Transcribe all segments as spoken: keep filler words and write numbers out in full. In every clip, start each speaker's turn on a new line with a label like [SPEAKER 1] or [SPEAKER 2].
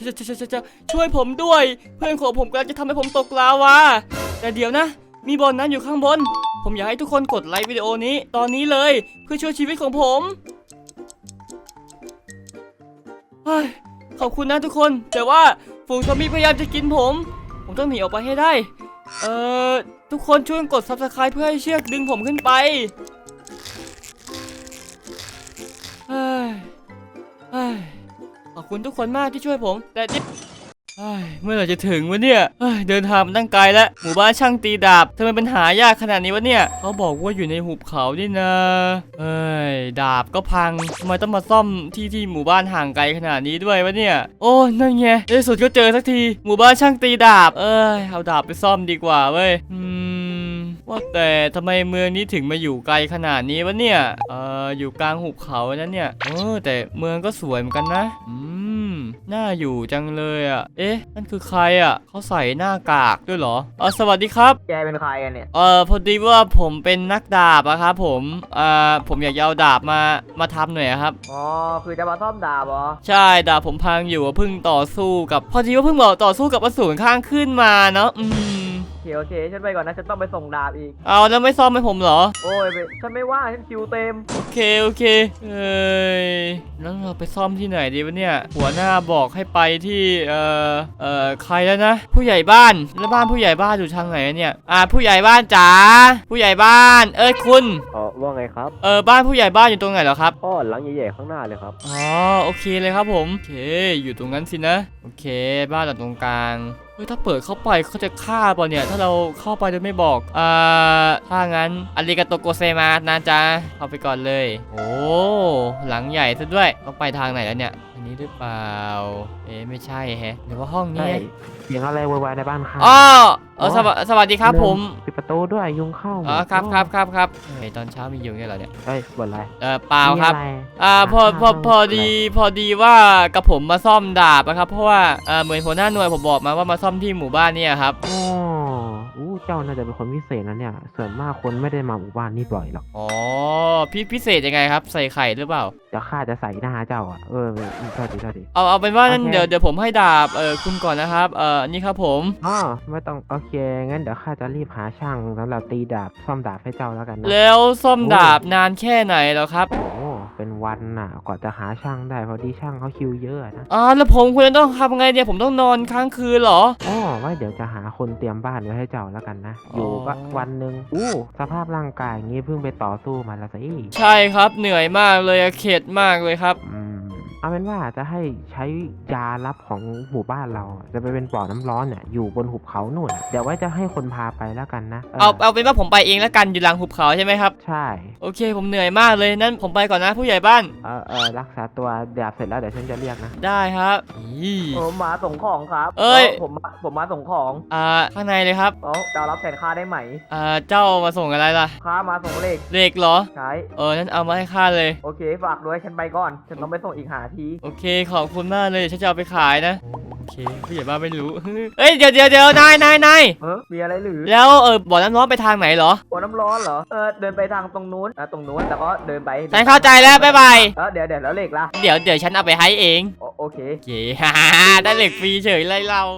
[SPEAKER 1] ช่วยผมด้วยเพื่อนของผมกำลังจะทำให้ผมตกลาวาแต่เดี๋ยวนะมีบอลนั้นอยู่ข้างบนผมอยากให้ทุกคนกดไลค์วิดีโอนี้ตอนนี้เลยเพื่อช่วยชีวิตของผมขอบคุณนะทุกคนแต่ว่าฝูงซอมบี้พยายามจะกินผมผมต้องหนีออกไปให้ได้เอ่อทุกคนช่วยกด ซับสไครบ์ เพื่อให้เชือกดึงผมขึ้นไปเฮ้ยเฮ้ยขอบคุณทุกคนมากที่ช่วยผมแต่เมื่อไหร่จะถึงวะเนี่ยเดินทางมาตั้งไกลแล้วหมู่บ้านช่างตีดาบทำไมเป็นหายากขนาดนี้วะเนี่ยเขาบอกว่าอยู่ในหุบเขานี่นะเอ้ยดาบก็พังทำไมต้องมาซ่อมที่ที่หมู่บ้านห่างไกลขนาดนี้ด้วยวะเนี่ยโอ้นั่นไงในที่สุดก็เจอสักทีหมู่บ้านช่างตีดาบเอ้ยเอาดาบไปซ่อมดีกว่าเว้ยอืมว่าแต่ทำไมเมืองนี้ถึงมาอยู่ไกลขนาดนี้วะเนี่ยเอออยู่กลางหุบเขานั่นเนี่ยเออแต่เมืองก็สวยเหมือนกันนะอืมน่าอยู่จังเลยอ่ะเอ๊ะนั่นคือใครอ่ะเขาใส่หน้ากากด้วยเหรอเออสวัสดีครับ
[SPEAKER 2] แกเป็นใครกันเนี่ย
[SPEAKER 1] เออพอดีว่าผมเป็นนักดาบอะครับผมเอ่อผมอยากเอาดาบมามาทำหน่อยครับ
[SPEAKER 2] อ๋อคือจะมาซ่อมดาบเหรอ
[SPEAKER 1] ใช่ดาบผมพังอยู่เพิ่งต่อสู้กับพอดีว่าเพิ่งบอกต่อสู้กับอสูรข้างขึ้นมาเนาะอืม
[SPEAKER 2] โอเคโอเคฉันไปก่อนนะฉันต้องไปส่งดาบอีก
[SPEAKER 1] เอาแล้วไม่ซ่อมให้ผมเหรอ
[SPEAKER 2] โอ้ยฉันไม่ว่างฉันคิวเต็ม
[SPEAKER 1] โอเคโอเคเอ้ยแล้วเราไปซ่อมที่ไหนดีวะเนี่ยหัวหน้าบอกให้ไปที่เอ่อเอ่อใครแล้วนะผู้ใหญ่บ้านแล้วบ้านผู้ใหญ่บ้านอยู่ทางไหนเนี่ยอ่าผู้ใหญ่บ้านจ๋าผู้ใหญ่บ้านเอ้ยคุณ
[SPEAKER 2] อ๋อว่าไงครับ
[SPEAKER 1] เออบ้านผู้ใหญ่บ้านอยู่ตรงไหนเหรอครับ
[SPEAKER 2] อ๋อหลังใหญ่ๆข้างหน้าเลยครับ
[SPEAKER 1] อ๋อโอเคเลยครับผมโอเคอยู่ตรงนั้นสินะโอเคบ้านหลังตรงกลางเฮ้ยถ้าเปิดเข้าไปเขาจะฆ่าป่ะเนี่ยถ้าเราเข้าไปโดยไม่บอกอ่าถ้างั้นอาริกาโตโกเซมานะจ๊ะเข้าไปก่อนเลยโอ้หลังใหญ่ซะด้วยต้องไปทางไหนแล้วเนี่ยอันนี้หรือเปล่าเอ๊ะไม่ใช่แฮะหรือว่าห้องนี้
[SPEAKER 2] เสียงอะไรวายๆในบ้านค่ะ
[SPEAKER 1] อ๋อเออสวัสสวัสดีครับผม
[SPEAKER 2] ปิดประตูด้วยยุงเข้า
[SPEAKER 1] อ๋อครับครับครับครับเฮ้ยตอนเช้ามียุงเนี่ยเหรอเนี่ย
[SPEAKER 2] เฮ้ยบ่นอะไร
[SPEAKER 1] เออเปล่าครับอ่าพอพอพอดีพอดีว่ากับผมมาซ่อมดาบนะครับเพราะว่าเออเหมือนหัวหน้าหน่วยผมบอกมาว่ามาซ่อมที่หมู่บ้านเนี่ยครับ
[SPEAKER 2] อ๋ออู้เจ้าน่าจะเป็นคนพิเศษนะเนี่ยส่วนมากคนไม่ได้มาหมู่บ้านนี่บ่อยหรอก
[SPEAKER 1] อ๋อพี่พิเศษยังไงครับใส่ไข่หรือเปล่า
[SPEAKER 2] เดี๋ยวข้าจะใส่หน้าเจ้าอ่ะเออโทษทีโทษที
[SPEAKER 1] เอาเอาเป็นว่าเดี๋ยวเดี๋ยวผมให้ดาบเออคุณก่อนนะครับเออนี่ครับผม
[SPEAKER 2] อ๋อไม่ต้องโอเคงั้นเดี๋ยวข้าจะรีบหาช่างสำหรับตีดาบซ่อมดาบให้เจ้าแล้วกันนะ
[SPEAKER 1] แล้วซ่อมดาบนานแค่ไหนแล้วครับ
[SPEAKER 2] โอ้เป็นวันน่ะกว่าจะหาช่างได้พอดีช่างเขาคิวเยอะนะ
[SPEAKER 1] อ๋อแล้วผมควรจะต้องทำไงเนี่ยผมต้องนอนค้างคืนเหรอ
[SPEAKER 2] อ๋อไว้เดี๋ยวจะหาคนเตรียมบ้านไว้ให้เจ้าแล้วกันนะอยู่วันหนึ่งอู้สภาพร่างกายอย่างงี้เพิ่งไปต่อสู้มาแล้วสิ
[SPEAKER 1] ใช่ครับเหนื่อยมากเลยเข็ดมากเลยครับ
[SPEAKER 2] อืมเอาเป็นว่าจะให้ใช้ยาลับของหมู่บ้านเราจะไปเป็นบ่อน้ำร้อนเนี่ยอยู่บนหุบเขาหนุนเดี๋ยวไว้จะให้คนพาไปแล้วกันนะ
[SPEAKER 1] เอาเอาเป็นว่าผมไปเองแล้วกันอยู่หลังหุบเขาใช่ไหมครับ
[SPEAKER 2] ใช่
[SPEAKER 1] โอเคผมเหนื่อยมากเลยนั้นผมไปก่อนนะผู้ใหญ่บ้าน
[SPEAKER 2] เออเออรักษาตัวดาบเสร็จแล้วเดี๋ยวฉันจะเรียกนะ
[SPEAKER 1] ได้ครับ
[SPEAKER 2] ผมมาส่งของครับ
[SPEAKER 1] เอ้ย
[SPEAKER 2] ผมผมมาส่งของ
[SPEAKER 1] อ่าข้างในเลยครับ
[SPEAKER 2] อ๋อเจ้ารับแทนข้าได้ไหม
[SPEAKER 1] อ่าเจ้ามาส่งอะไรล่ะ
[SPEAKER 2] ข้ามาส่งเลข
[SPEAKER 1] เลขเหรอ
[SPEAKER 2] ใช่
[SPEAKER 1] เออนั้นเอามาให้ข้าเลย
[SPEAKER 2] โอเคฝากด้วยฉันไปก่อนฉันต้องไปส่งอีกหาที
[SPEAKER 1] โอเคขอบคุณมากเลยฉันจะเอาไปขายนะโอเคผู้ใหญ่บ้านไม่รู้เอ้ยเดี๋ยวเดี๋ยวเดี๋ยวนายนายนาย
[SPEAKER 2] เออมีอะไรหรือ
[SPEAKER 1] แล้วเออบ่อน้ำร้อนไปทางไหนเหรอ
[SPEAKER 2] บ่อน้ำร้อนเหรอเออเดินไปทางตรงนู้นนะตรงนู้นแต่ก็เดินไป
[SPEAKER 1] ฉันเข้าใจแล้วบ๊ายบาย
[SPEAKER 2] เออเดี๋ยวเดี๋ยวแล้วเลขล่ะ
[SPEAKER 1] เดี๋ยวเดี๋ยวฉันเอาไปให้เอง
[SPEAKER 2] โอเค
[SPEAKER 1] โอเคฮ่าได้เหล็กฟรีเฉยเลยเรา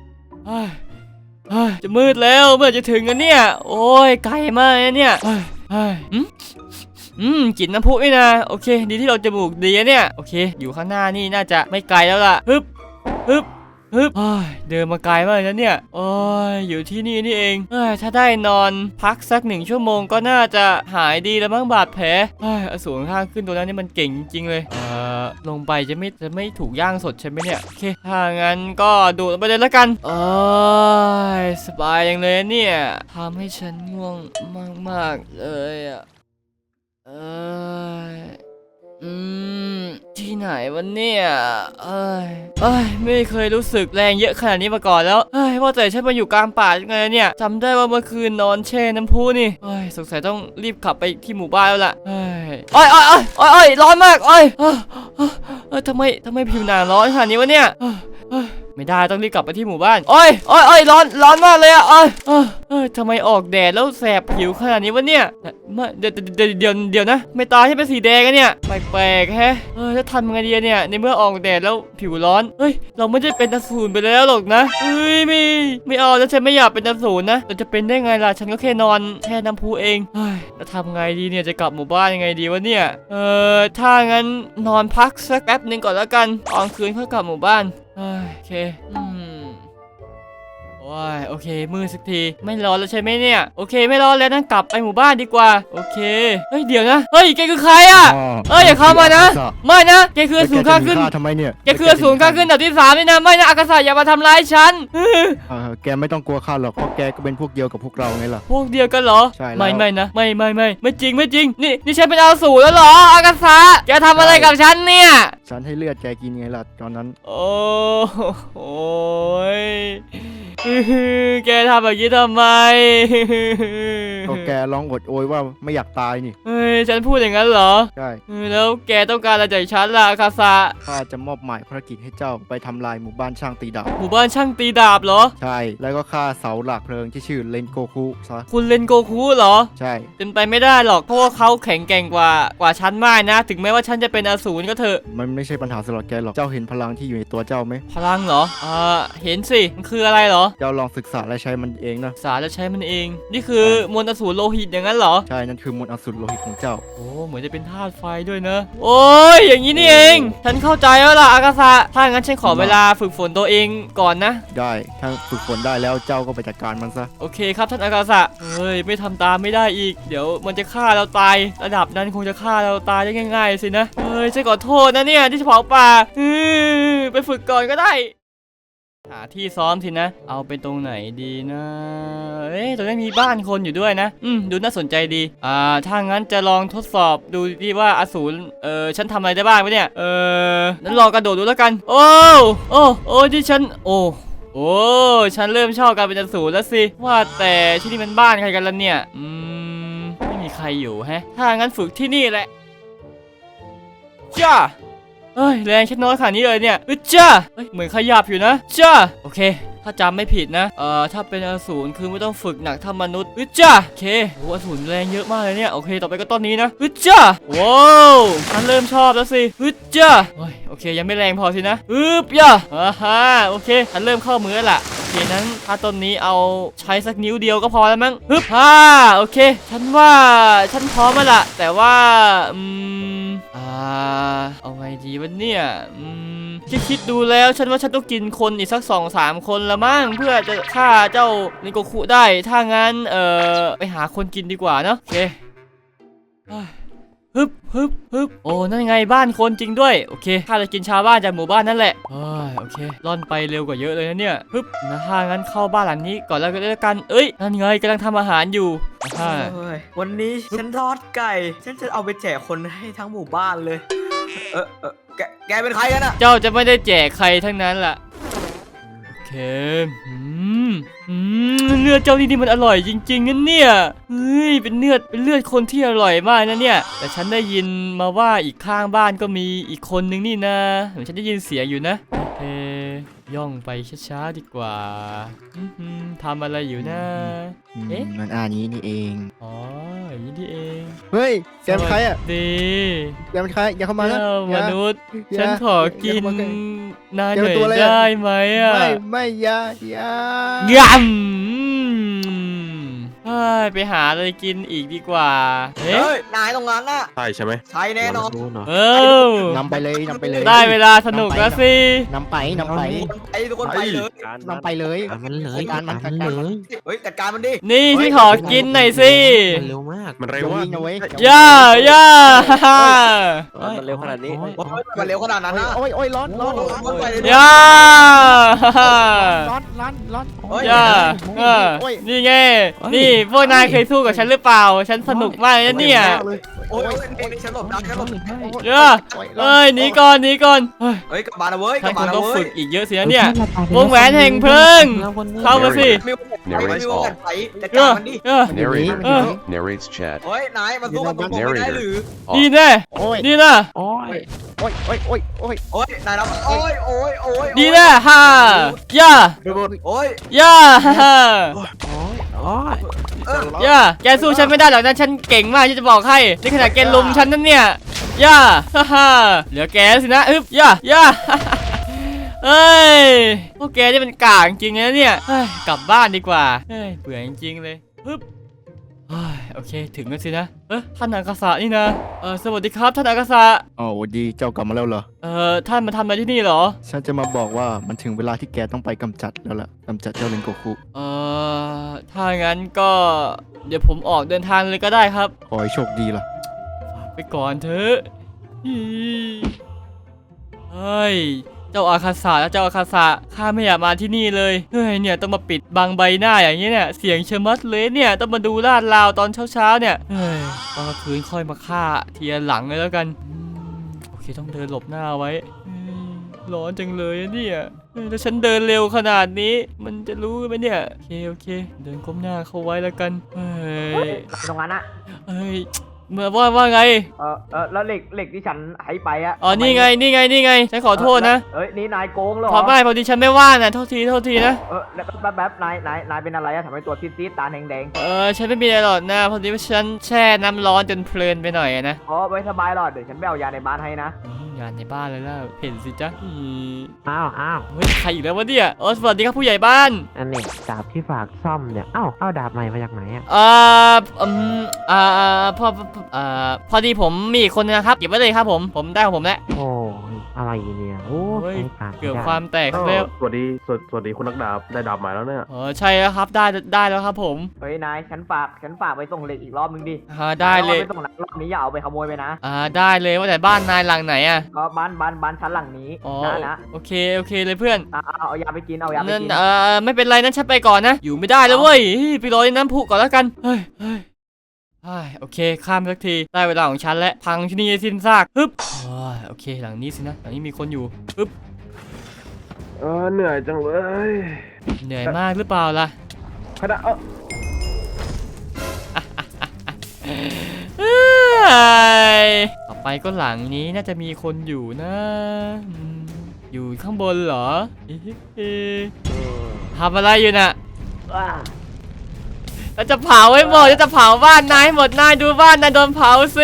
[SPEAKER 1] จะมืดแล้วเมื่อจะถึงกันเนี่ยโอ้ยไกลมากเนี่ยอืมอืมกลิ่นน้ำพุนี่นะโอเคดีที่เราจมูกดีเนี่ยโอเคอยู่ข้างหน้านี่น่าจะไม่ไกลแล้วล่ะฮึบฮึบฮึบเดินมาไกลมากเลยนะเนี่ยโอ้ยอยู่ที่นี่นี่เองเอ้ยถ้าได้นอนพักสักหนึ่งชั่วโมงก็น่าจะหายดีแล้วมั้งบาดแผลเอ้ยอสูรข้างขึ้นตัวนั้นนี่มันเก่งจริงเลยเออลงไปจะไม่จะไม่ถูกย่างสดใช่ไหมเนี่ยโอเคถ้างั้นก็ดูไปเลยแล้วกันโอ้ยสบายอย่างเลยเนี่ยทำให้ฉันง่วงมากๆเลยอ่ะเอออืมที่ไหนวะเนี่ยเอ้ยเอ้ยไม่เคยรู้สึกแรงเยอะขนาดนี้มาก่อนแล้วเอ้ยว่าแต่ฉันมาอยู่กลางป่ายังไงเนี่ยจำได้ว่าเมื่อคืนนอนแช่น้ำพุนี่เอ้ยสงสัยต้องรีบขับไปที่หมู่บ้านแล้วล่ะเอ้ยโอ้ยโอ้ยโอ้ยโอ้ยร้อนมากโอ้ยเอ้ยทำไมทำไมผิวหนังร้อนขนาดนี้วะเนี่ยไม่ได้ต้องรีบกลับไปที่หมู่บ้านโอ้ยโอ้ยโอ้ยร้อนร้อนมากเลยอะโอ้ยเอ้ยเอ้ยทำไมออกแดดแล้วแสบผิวขนาดนี้วะเนี่ยไม่เดี๋ยวเดี๋ยวเดี๋ยวเดี๋ยวนะไม่ตาที่เป็นสีแดงกันเนี่ยแปลกๆแฮะเออจะทำยังไงดีเนี่ยในเมื่อออกแดดแล้วผิวร้อนเฮ้ยเราไม่ได้เป็นอสูรไปแล้วหรอกนะเฮ้ยไม่ไม่เอาแล้วฉันไม่อยากเป็นอสูรนะเราจะเป็นได้ไงล่ะฉันก็แค่นอนแช่น้ำพุเองเฮ้ยแล้วทำไงดีเนี่ยจะกลับหมู่บ้านยังไงดีวะเนี่ยเออถ้างั้นนอนพักสักแป๊บหนึ่งก่อนแล้วกันตอนคืนค่อยกลับหมู่บ้านเฮ้ยโอเคอืมโอ้ยโอเคมืดสักทีไม่ร้อนแล้วใช่ไหมเนี่ยโอเคไม่ร้อนแล้วนั่งกลับไปหมู่บ้านดีกว่าโอเคเฮ้ยเดี๋ยวนะเฮ้ยแกคือใครอ่ะเอ้ยอย่าเข้ามานะไม่นะแกคืออสูรข้าขึ้น
[SPEAKER 3] ทำไมเนี่ย
[SPEAKER 1] แกคืออสูรข้าขึ้นอันดับที่สามนี่นะไม่นะอากาศอย่ามาทำร้ายฉัน
[SPEAKER 3] เออแกไม่ต้องกลัวข้าหรอกเพราะแกก็เป็นพวกเดียวกับพวกเราไงล่ะ
[SPEAKER 1] พวกเดียวกันเหรอ
[SPEAKER 3] ใช่แล้ว
[SPEAKER 1] ไม่ไม่นะไม่ไม่ไม่ไม่จริงไม่จริงนี่นี่ฉันเป็นอสูรแล้วเหรออากาศแกทำอะไรกับฉันเนี่ย
[SPEAKER 3] ฉันให้เลือดแกกินไงล่ะตอนนั้น
[SPEAKER 1] โอ้โหยแกทำแบบนี้ทำไม
[SPEAKER 3] ก็แกร้องอดโอยว่าไม่อยากตายนี่
[SPEAKER 1] เฮ้ยฉันพูดอย่างนั้นเหรอ
[SPEAKER 3] ใช่
[SPEAKER 1] เออแล้วแกต้องการอะไรจากฉันล่ะอาคาซา
[SPEAKER 3] ข้าจะมอบหมายภารกิจให้เจ้าไปทำลายหมู่บ้านช่างตีดาบ
[SPEAKER 1] หมู่บ้านช่างตีดาบเหรอ
[SPEAKER 3] ใช่แล้วก็ฆ่าเสาหลักเพลิงที่ชื่อเลนโกคุซะ
[SPEAKER 1] คุณเลนโกคุเหรอ
[SPEAKER 3] ใช่
[SPEAKER 1] เป็นไปไม่ได้หรอกเพราะว่าเขาแข็งแกร่งกว่ากว่าฉันมากนะ ถึงแม้ว่าฉันจะเป็นอสูรก็เถอะ
[SPEAKER 3] มันไม่ใช่ปัญหาสำหรับแกหรอกเจ้าเห็นพลังที่อยู่ในตัวเจ้าไหม
[SPEAKER 1] พลังเหรออ่าเห็นสิมันคืออะไรเหรอ
[SPEAKER 3] เจ้าลองศึกษาและใช้มันเองนะ
[SPEAKER 1] สารแล้วใช้มันเอง นี่คือมวลอสูรโลหิตอย่างนั้นเหรอ
[SPEAKER 3] ใช่นั่นคือมนต์อสูรโลหิตของเจ้า
[SPEAKER 1] โอ้เหมือนจะเป็นธาตุไฟด้วยนะโอ้ยอย่างนี้นี่เอง ฉันเข้าใจแล้วล่ะอากาศะถ้างั้นฉันขอเวลาฝึกฝนตัวเองก่อนนะ
[SPEAKER 3] ได้ถ้าฝึกฝนได้แล้วเจ้าก็ไปจัดการมันซะ
[SPEAKER 1] โอเคครับท่านอากาศะเฮ้ยไม่ทำตามไม่ได้อีกเดี๋ยวมันจะฆ่าเราตายระดับนั้นคงจะฆ่าเราตายได้ง่ายๆสินะเฮ้ยฉันขอโทษนะเนี่ยที่เผาป่าอือไปฝึกก่อนก็ได้หาที่ซ้อมสินะเอาเป็นตรงไหนดีนะเอ๊ะตรงนี้มีบ้านคนอยู่ด้วยนะอืมดูน่าสนใจดีอ่าถ้างั้นจะลองทดสอบดูดีว่าอสูรเออฉันทำอะไรได้บ้างวะเนี่ยเออนั้นลองกระโดดดูแล้วกันโอ้โอ้โอ้ที่ฉันโอ้โอ้ฉันเริ่มชอบการเป็นอสูรแล้วสิว่าแต่ที่นี่มันบ้านใครกันล่ะเนี่ยอืมไม่มีใครอยู่แฮะถ้างั้นฝึกที่นี่แหละจ้าเฮ้ยแรงแค่น้อยขนาดนี้เลยเนี่ยอึจ้าเฮ้ยเหมือนขยับอยู่นะจ้าโอเคถ้าจำไม่ผิดนะเอ่อถ้าเป็นอสูรคือไม่ต้องฝึกหนักเท่ามนุษย์อึจ้าโอเคโอ้อสูรแรงเยอะมากเลยเนี่ยโอเคต่อไปก็ต้นนี้นะอึจ้าว้าวฉันเริ่มชอบแล้วสิอึจ้าโอ้ยโอเคยังไม่แรงพอสินะอึบย่าอ่าฮะโอเคฉันเริ่มเข้ามือแล้วล่ะโอเคนั้นถ้าต้นนี้เอาใช้สักนิ้วเดียวก็พอแล้วมั้งฮึบฮ่าโอเคฉันว่าฉันพร้อมแล้วล่ะแต่ว่าอืมอ่าเอาไงดีวะเนี่ยอืมคิดคิดดูแล้วฉันว่าฉันต้องกินคนอีกสักสองสามคนละมั้งเพื่อจะฆ่าเจ้านิโกคุได้ถ้างั้นเอ่อไปหาคนกินดีกว่าเนาะโอเคฮึบฮึบฮึบโอ้นั่นไงบ้านคนจริงด้วยโอเคข้าจะกินชาวบ้านจากหมู่บ้านนั่นแหละเฮ้ยโอเคล่อนไปเร็วกว่าเยอะเลยนะเนี่ยฮึบนะถ้างั้นเข้าบ้านหลังนี้ก่อนแล้วกันเอ้ยนั่นไงกำลังทำอาหารอยู่อ่า
[SPEAKER 4] เฮ้ยวันนี้ฉันทอดไก่ ฉันจะเอาไปแจกคนให้ทั้งหมู่บ้านเลย เออเออแกแกเป็นใครกันอะ
[SPEAKER 1] เจ้าจะไม่ได้แจกใครทั้งนั้นล่ะโอเคอืมอืมเลือดเจ้านี่นี่มันอร่อยจริงๆนะเนี่ยเฮ้ยเป็นเลือดเป็นเลือดคนที่อร่อยมากนะเนี่ยแต่ฉันได้ยินมาว่าอีกข้างบ้านก็มีอีกคนนึงนี่นะเหมือนฉันได้ยินเสียงอยู่นะโอเคย่องไปช้าๆดีกว่าอื้อหือทำอะไรอยู่นะ
[SPEAKER 3] อืม
[SPEAKER 1] เอ๊ะ
[SPEAKER 3] มันอ่านนี้นี่เอง
[SPEAKER 1] อ๋ออย่างนี้นี่เอง
[SPEAKER 3] เฮ้ยแกเป็นใครอ่ะ
[SPEAKER 1] ดี
[SPEAKER 3] แกเป็นใครอย่าเข้ามานะ
[SPEAKER 1] เจ้า
[SPEAKER 3] อย่า
[SPEAKER 1] มนุษย์
[SPEAKER 3] อย่า
[SPEAKER 1] ฉันขอกิน
[SPEAKER 3] อย่าเข้ามาใกล้
[SPEAKER 1] นาย
[SPEAKER 3] แก
[SPEAKER 1] ห
[SPEAKER 3] เป็
[SPEAKER 1] น่อย
[SPEAKER 3] นตัวอะไรอะ
[SPEAKER 1] ได้ไหมอ่ะ
[SPEAKER 3] ไม่ไม่อย่าอย่า
[SPEAKER 1] ยำเฮ้ยไปหาอะไรกินอีกดีกว่าเอ๊ะ
[SPEAKER 4] เฮ้ย นายตรงนั้นน่ะ
[SPEAKER 5] ใช่ใช่ไหม
[SPEAKER 4] ใช่แน่นอน
[SPEAKER 1] เออน
[SPEAKER 3] ำไปเลยนำไปเลย
[SPEAKER 1] ได้เวลาสนุกแล้วสิ
[SPEAKER 3] นำไปนำไป
[SPEAKER 4] ไอ้ทุกคนไปเลย
[SPEAKER 3] นำไปเลย
[SPEAKER 2] ตามมันเลย
[SPEAKER 3] จัดการมัน
[SPEAKER 2] ตาม
[SPEAKER 3] จัด
[SPEAKER 2] มัน
[SPEAKER 3] การ
[SPEAKER 2] เล
[SPEAKER 3] มัน
[SPEAKER 2] ย
[SPEAKER 4] เฮ้ย จัดการมันดิ
[SPEAKER 1] นี่ฉันขอกินหน่อยสิ
[SPEAKER 2] มันเร็วมาก
[SPEAKER 5] มัน
[SPEAKER 3] เร็
[SPEAKER 5] เร็
[SPEAKER 3] ว
[SPEAKER 5] วว่า
[SPEAKER 3] วิ่งนะเว้ย
[SPEAKER 1] ย่าย่าฮ่า
[SPEAKER 2] มันเร็วขนาดนี้
[SPEAKER 4] โอ้ยมันเร็วขนาดนั้นนะ
[SPEAKER 3] โอ้ยโอ้ยร้อนร้อนร้อน
[SPEAKER 4] โอ้ยไปเลย
[SPEAKER 1] ย่าฮ่า
[SPEAKER 3] ร้อนร้อนร้อน
[SPEAKER 2] โอ้
[SPEAKER 4] โอ้ย
[SPEAKER 1] ย่าเออ
[SPEAKER 3] โอ้ย
[SPEAKER 1] นี่ไงนี่พวกนายเคยสู้กับฉันหรือเปล่า ฉันสนุกมากเลยนะเนี่ย
[SPEAKER 4] โอ้ยโอ้ยนี่นี่ฉันหลบได้ฉันหลบได้
[SPEAKER 1] ย่าเอ้ยหนีก่อนหนีก่อนเฮ้ย
[SPEAKER 4] เฮ้ยกลับมาแล้วเว้ยก
[SPEAKER 1] ท่า
[SPEAKER 4] ลั
[SPEAKER 1] น
[SPEAKER 4] บ
[SPEAKER 1] ค
[SPEAKER 4] มาง แล้ว
[SPEAKER 1] ต้อง
[SPEAKER 4] เว้
[SPEAKER 1] ฝึ
[SPEAKER 4] ย
[SPEAKER 1] กอีกเยอะสินะเนี่ยวงแหวนแห่งเพลิง เข้ามาสิ
[SPEAKER 4] มีวงแหวนมีวงแหวนไฟจัดการมันดิ
[SPEAKER 1] เออ
[SPEAKER 5] Narrator
[SPEAKER 1] Uh.
[SPEAKER 5] narrates chat.
[SPEAKER 4] เฮ้ยนายมาสู้กับผมไม่ได้หรือ
[SPEAKER 1] นี่แน่
[SPEAKER 3] โอ้ย
[SPEAKER 1] นี่นะ
[SPEAKER 2] โอ้ย
[SPEAKER 3] โอ้ยโอ้ยโอ้ยโอ้ย
[SPEAKER 4] โอ้ยนายรับโอ้ยโอ้ยโอ้ย
[SPEAKER 1] นี่แน่ฮ่าย่า
[SPEAKER 4] โอ้ย
[SPEAKER 1] ย่าฮ่า
[SPEAKER 2] โอ้ยโอ้ย
[SPEAKER 4] เออ
[SPEAKER 1] ย่าแกสู้ฉันไม่ได้หรอกนะฉันเก่งมากที่จะบอกให้นี่ขนาดแกลุมฉันนั่นเนี่ยย่าฮ่าฮ่าเหลือแกสินะอึบย่าย่าเอ้ยพวกแกนี่มันกากจริงนะเนี่ยเฮ้ยกลับบ้านดีกว่าเฮ้ยเบื่อจริงๆเลยปึ๊บเฮ้ยโอเคถึงแล้วสินะเออท่านอากาศะนี่นะเออสวัสดีครับท่านอากาศะ
[SPEAKER 3] อ๋อสวัสดีเจ้ากลับมาแล้วเหรอ
[SPEAKER 1] เออท่านมาทำอะไรที่นี่เหรอ
[SPEAKER 3] ฉันจะมาบอกว่ามันถึงเวลาที่แกต้องไปกำจัดแล้วล่ะกำจัดเจ้าเลนโกคุ
[SPEAKER 1] เออถ้างั้นก็เดี๋ยวผมออกเดินทางเลยก็ได้ครับ
[SPEAKER 3] ขอให้โชคดีล่ะ
[SPEAKER 1] ไปก่อนเถอะอีเฮ้ย เจ้าอาคาสะและเจ้าอาคาสะข้าไม่อยากมาที่นี่เลย เฮ้ย เนี่ยต้องมาปิดบังใบหน้าอย่างนี้เนี่ย เสียงเชะมัดเลยเนี่ย ต้องมาดูลาดราวตอนเช้าๆเนี่ย เฮ้ย ตอนกลางคืนค่อยมาฆ่าทีละหลังเลยแล้วกันอืมโอเคต้องเดินหลบหน้าไว้เฮ้ยร้อนจังเลยอะเนี่ยเฮ้ยแล้วฉันเดินเร็วขนาดนี้ มันจะรู้ไหมเนี่ย โอเคโอเค เดินก้มหน้าเข้าไว้แล้วกัน เฮ้ย
[SPEAKER 4] ตรงนั้นอะ
[SPEAKER 1] เฮ้ย เมื่อว่าว่าไง
[SPEAKER 4] เออเออแล้วเหล็กเหล็กที่ฉันให้ไปอะ
[SPEAKER 1] อ๋อ นี่ไง นี่ไง นี่ไง ฉันขอโทษนะ
[SPEAKER 4] เอ้ยนี่นายโกงเหรอ
[SPEAKER 1] พอไม่พอดีฉันไม่ว่างนะโทษที โทษทีนะ
[SPEAKER 4] เออแล้วแป๊บแป๊บนายนายนายเป็นอะไรอะทำไมตัวซีดๆตาแดง
[SPEAKER 1] เออ ฉันไม่มีอะไรหรอกนะ พอดีว่าฉันแช่น้ำร้อนจนเพลินไปหน่อยอะนะ
[SPEAKER 4] ๆอ๋อไม่สบายหรอกเดี๋ยวฉันไปเอายาในบ้านให้นะ
[SPEAKER 1] อืมงานในบ้านเลยล่ะเห็นสิจ๊ะอืม
[SPEAKER 2] อ้าวอ้าว
[SPEAKER 1] เฮ้ย ใครอีกแล้ววะเนี่ยเออสวัสดีครับผู้ใหญ่บ้าน
[SPEAKER 2] อันนี้ดาบที่ฝากซ่อมเนี่ยเอ้าเอาดาบใหม่มาจากไหนอ่ะ
[SPEAKER 1] เอ่ออืมอ่าอ่าพอเอ่อพอดีผมมีอีกคนนึงนะครับ เก็บไว้เลยครับผม ผมได้ของผมแล้ว
[SPEAKER 2] โอ้ยอะไรเนี่ยโอ้
[SPEAKER 1] เฮ้ย
[SPEAKER 2] ใช้การ
[SPEAKER 1] เกือบ
[SPEAKER 2] ไม่ได้
[SPEAKER 1] ความแตก
[SPEAKER 6] อ้าว
[SPEAKER 1] แล้ว
[SPEAKER 6] สวัสดีสวัสสวัสดีคุณนักดาบได้ดาบใหม่แล้วเนี่ย
[SPEAKER 1] เออใช่แล้วครับ ได้ได้แล้วครับผม
[SPEAKER 4] เฮ้ยนายฉันฝากฉันฝากไปส่งเหล็กอีกรอบนึงดิ
[SPEAKER 1] อ่าได้เลย
[SPEAKER 4] อาไปส่งนะรอบนี้อย่าเอาไปขโมยไปนะ
[SPEAKER 1] อ่าได้เลยว่าแต่บ้านนายหลังไหนอะ
[SPEAKER 4] ก็บ้านบ้านบ้านชั้นหลังนี้
[SPEAKER 1] อ๋อ
[SPEAKER 4] นะนะ
[SPEAKER 1] โอเคโอเคเลยเพื่อน
[SPEAKER 4] เอาเอาเอายาไปกินเอายาไป
[SPEAKER 1] นั่น
[SPEAKER 4] กิน
[SPEAKER 1] เออไม่เป็นไรนั่นฉันไปก่อนนะ อยู่ไม่ได้แล้วเว้ยเฮ้ยไปรอในน้ำพุก่อนแล้วกันเฮ้ยเฮ้ยเฮ้ยโอเคข้ามสักทีได้เวลาของฉันแล้วพังที่นี่ให้สิ้นซากฮึบโอ้ยโอเคหลังนี้สินะหลังนี้มีคนอยู่ฮึบ
[SPEAKER 6] เออเหนื่อยจังเลย
[SPEAKER 1] เหนื่อยมากหรือเปล่าล่ะ
[SPEAKER 6] คณะเออ
[SPEAKER 1] เฮ้ยต่อไปก็หลังนี้น่าจะมีคนอยู่นะอืมอยู่ข้างบนเหรอเอ๊ะทำอะไรอยู่น่ะ
[SPEAKER 4] ว้า
[SPEAKER 1] เราจะเผาให้หมดเราจะเผาบ้านนายให้หมดนายดูบ้านนายโดนเผาสิ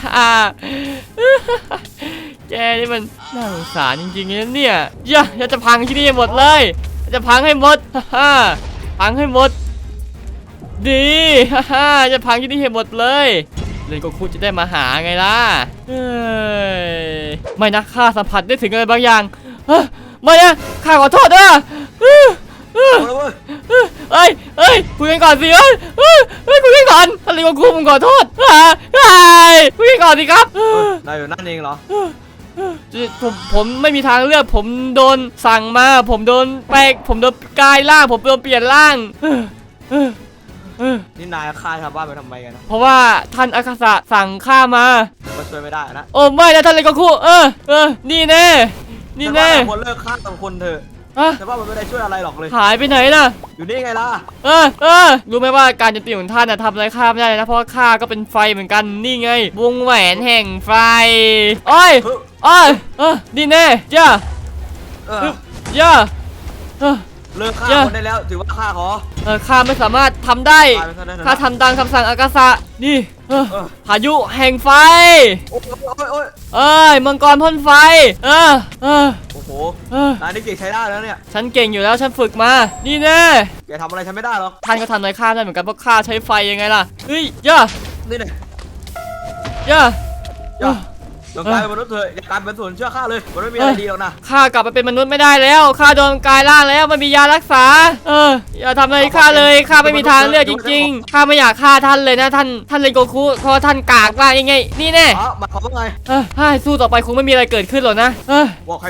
[SPEAKER 1] แกนี่มันน่าสงสารจริงๆนะเนี่ยย่าเราจะพังที่นี่ให้หมดเลยเราจะพังให้หมด พังให้หมดดี จะพังที่นี่ให้หมดเลยเลนโกคุจะได้มาหาไงล่ะเฮ้ยไม่นะข้าสัมผัสได้ถึงอะไรบางอย่างเฮ้ยไม่นะข้าขอโทษนะเฮ้ย
[SPEAKER 4] เอาเลยเว้ย
[SPEAKER 1] เอ้ยเอ้ยคุยกันก่อนสิเอ้ยเอ้ยเอ้ยคุยกันก่อนท่านเลนโกคุผมขอโทษเฮ้ยเฮ้ยคุยกันก่อนสิครับ
[SPEAKER 4] เออนายอยู่นั่นเองเหรอ
[SPEAKER 1] ผมผมไม่มีทางเลือกผมโดนสั่งมา ผมโดนแปลกผมโดนกลายร่างผมโดนเปลี่ยนร่างเออเออเออ
[SPEAKER 4] นี่นายฆ่าชาวบ้านไปทำไมกันนะ
[SPEAKER 1] เพราะว่าท่านอาคาสะสั่งข้ามา
[SPEAKER 4] ก็ช่วยไม่ได้นะ
[SPEAKER 1] โอ้ไม่นะท่านเลนโกคุเออเออนี่แน่นี่แน่
[SPEAKER 4] แต่ว่าคนเลิกฆ่าต่างคนเถอะ
[SPEAKER 1] อะ
[SPEAKER 4] แต่ว่ามันไม่ได้ช่วยอะไรหรอกเลย
[SPEAKER 1] หายไปไหนน่ะ
[SPEAKER 4] อยู่นี่ไงล่ะ
[SPEAKER 1] เออเออรู้ไหมว่าการโจมตีของท่านน่ะทำอะไรข้าไม่ได้เลยนะเพราะว่าข้าก็เป็นไฟเหมือนกันนี่ไงวงแหวนแห่งไฟโอ้ย
[SPEAKER 4] เฮ้ย
[SPEAKER 1] โอ้ยเออนี่แน่ย่า
[SPEAKER 4] เออ
[SPEAKER 1] ย่าเออ
[SPEAKER 4] เลิกฆ่า
[SPEAKER 1] เยอะ
[SPEAKER 4] คนได้แล้วถือว่าฆ่าขอ
[SPEAKER 1] เออข้าไม่สามารถทำได้
[SPEAKER 4] ตายไปซะได้เถอะนะ
[SPEAKER 1] ข้าทำตามคำสั่งอากาศะนี่เออ
[SPEAKER 4] เออ
[SPEAKER 1] พายุแห่งไฟ
[SPEAKER 4] โอ้ยโอ้ยโอ้ย
[SPEAKER 1] เอ้ยมังกรพ่นไฟเออเออ
[SPEAKER 4] โอ้โห
[SPEAKER 1] เออน
[SPEAKER 4] ายนี่เก่งใช้ได้แล้วเนี่ย
[SPEAKER 1] ฉันเก่งอยู่แล้วฉันฝึกมานี่แน่
[SPEAKER 4] แกทำอะไรฉันไม่ได้หรอก
[SPEAKER 1] ท่านก็ทำอะไรข้าได้เหมือนกันเพราะข้าใช้ไฟยังไงล่ะเฮ้ยย่า
[SPEAKER 4] นี่เนี่ย
[SPEAKER 1] ย่า
[SPEAKER 4] อย่าลองกลายเป็นมนุษย์เถอะอย่ากลายเป็นส่วนเชื่อข้าเลยมันไม่มีอะไรดีหรอกนะ
[SPEAKER 1] ข้ากลับไปเป็นมนุษย์ไม่ได้แล้วข้าโดนกลายร่างแล้วไม่มียารักษาเอออย่าทำอะไรข้าเลยข้าไม่มีทางเลือกจริงๆข้าไม่อยากฆ่าท่านเลยนะท่านท่านเลนโกคุเพราะว่าท่านกากมากยังไงนี่แน่
[SPEAKER 4] อ๋อหมายความว่าไง
[SPEAKER 1] เออให้สู้ต่อไปคงไม่มีอะไรเกิดขึ้นหรอกนะเออ
[SPEAKER 4] บอกใครเลิก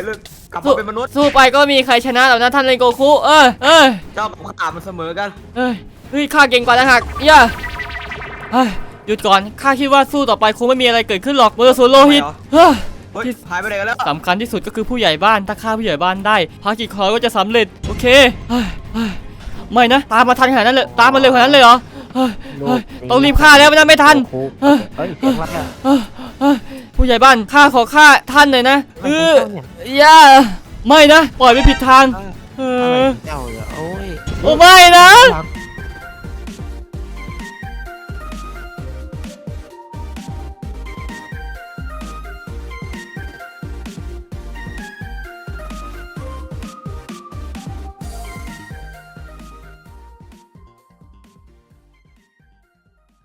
[SPEAKER 4] กลับ
[SPEAKER 1] สู้
[SPEAKER 4] มาเป็นมนุษย์
[SPEAKER 1] สู้ไปก็ไม่มีใครชนะหรอกนะท่านเรนโกคุเออเออ
[SPEAKER 4] เจ้ากับข้ามันเสมอกัน
[SPEAKER 1] เฮ้ยเฮ้ยข้าเก่งกว่านะหักย่าเฮ้ยหยุดก่อนข้าคิดว่าสู้ต่อไปคงไม่มีอะไรเกิดขึ้นหรอกเบอร์โซโลหิตเฮ้ย
[SPEAKER 4] เฮ้ยหายไปไหนกันแล้ว
[SPEAKER 1] สำคัญที่สุดก็คือผู้ใหญ่บ้านถ้าฆ่าผู้ใหญ่บ้านได้ภารกิจของเราก็จะสำเร็จโอเคเฮ้ยเฮ้ยไม่นะตามมาทันขนาดนั้นเลยตามมาเร็วขนาดนั้นเลยเหรอเฮ้ยเฮ้ยต้องรีบฆ่าแล้วไม่นั้นไม่ทัน
[SPEAKER 2] เฮ้ยเฮ้ยเสียงอะไรอะ
[SPEAKER 1] เฮ้ยเฮ้ยผู้ใหญ่บ้านข้าขอฆ่าท่านหน่อยนะเออ
[SPEAKER 2] เนี่ย
[SPEAKER 1] อย่าไม่นะปล่อยไปผิดทางเอ
[SPEAKER 2] อะไร
[SPEAKER 1] อ
[SPEAKER 2] เจ้าเนี่ยโอ้ย
[SPEAKER 1] โอ้ไม่นะ
[SPEAKER 2] หลัง